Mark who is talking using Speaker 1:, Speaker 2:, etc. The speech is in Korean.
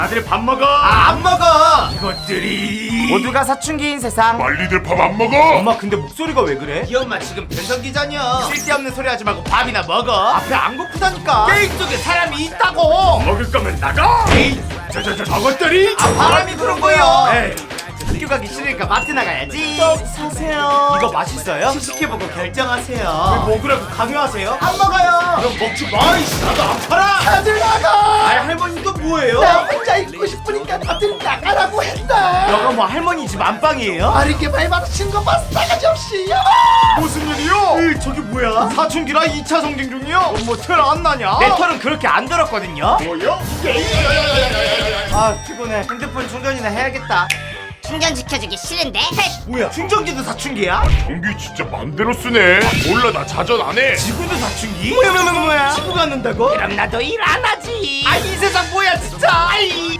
Speaker 1: 다들 밥 먹어.
Speaker 2: 안 먹어.
Speaker 1: 이것들이
Speaker 2: 모두가 사춘기인 세상.
Speaker 3: 빨리들 밥 안 먹어.
Speaker 1: 엄마 근데 목소리가 왜 그래?
Speaker 2: 이 엄마 지금 변성기잖여.
Speaker 1: 쓸데없는 소리 하지 말고 밥이나 먹어.
Speaker 2: 앞에 안 고프다니까.
Speaker 1: 게임 속에 사람이 있다고. 먹을 거면 나가. 에이, 저것들이.
Speaker 2: 바람이 부는 거요.
Speaker 1: 에이, 학교 가기 싫으니까 마트 나가야지.
Speaker 2: 사세요.
Speaker 1: 이거 맛있어요?
Speaker 2: 시식해보고 결정하세요.
Speaker 1: 먹으라고 강요하세요?
Speaker 2: 안 먹어요.
Speaker 1: 그럼 먹지 마. 이씨, 나도 안 팔아.
Speaker 2: 다들 나가.
Speaker 1: 아이 할머니 또 뭐예요?
Speaker 2: 나 혼자 있고 싶으니까 다들 나가라고 했다.
Speaker 1: 너가 뭐 할머니 집 안방이에요?
Speaker 2: 어리게 발맞춘 거 봤어. 싸가지 없이.
Speaker 1: 무슨 일이요? 저기 뭐야? 사춘기라 2차 성징 중이요? 뭐 털 안 나냐? 내 털은 그렇게 안 들었거든요? 뭐요?
Speaker 2: 아 피곤해. 핸드폰 충전이나 해야겠다.
Speaker 4: 충전시켜주기 싫은데?
Speaker 1: 뭐야? 충전기도 사춘기야?
Speaker 3: 전기 진짜 맘대로 쓰네. 몰라 나 자전 안 해.
Speaker 1: 지구도 사춘기?
Speaker 2: 뭐야?
Speaker 1: 지구 갖는다고?
Speaker 4: 그럼 나도 일 안 하지.
Speaker 1: 아 이 세상 뭐야 진짜. 아이.